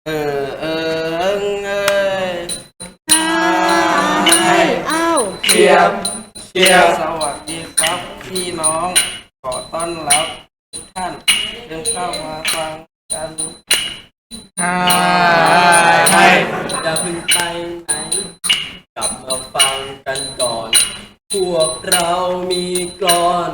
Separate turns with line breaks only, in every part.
เออเออเอิงเอ้ย
อ้าว
เชียบเชียบสวัสดีครับพี่น้องขอต้อนรับทุกท่านเดินเข้ามาฟังกันอย่าเพิ่งไปไหนกลับมาฟังกันก่อนพวกเรามีกลอน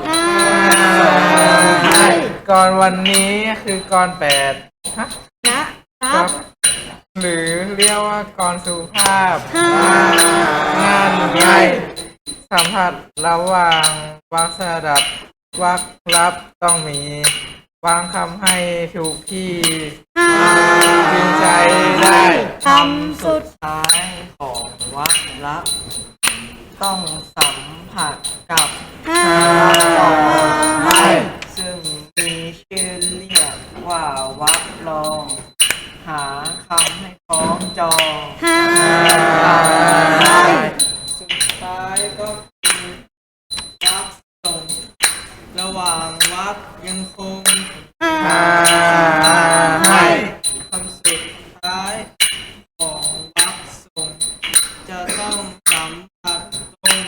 ก่อนวันนี้คือกร8
นะครับ
หรือเรียกว่ากรสุภาพงานไงสัมผัสระหว่างวรรคสดับวรรครับต้องมีวางคำให้ถูกที่จึงใจได้
คำสุด
ท้ายของวรรครับต้องสัมผัสกับ ซึ่งมีชื่อเรียกว่าวรรครองหาคำให้คล้องจองสุดท้ายก็คือวรรคส่งระหว่างวรรคยังคงคำสุดท้ายของวรรคส่งจะต้องสัมผัสตรง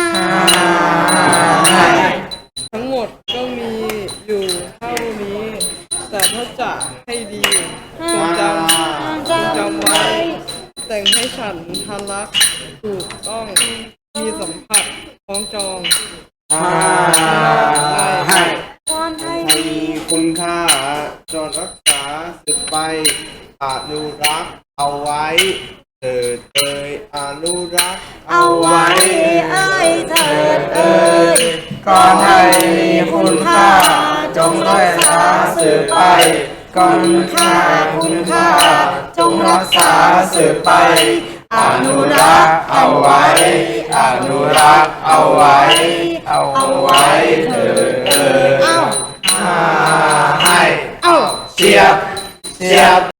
ทั้งหมดก็มีอยู่เท่านี้ แต่ถ้าจะให้ดีจงจำไว้แต่งให้ฉันทันรักถูกต้องมีสัมผัสคล้องจอง
มีคุณค่าจงรักษาสืบไปอนุรักษ์เอาไว้เถิดเอ่ยอนุรักษ์
เอาไว้เถิดเอ่ย
ก่อนไทยมีคุณค่าจงรักษาสืบไปก่อนคุณค่าจงรักษาสืบไปอนุรักษ์เอาไว้อนุรักษ์เอาไว้เถิดเอ่ยให้เชียบ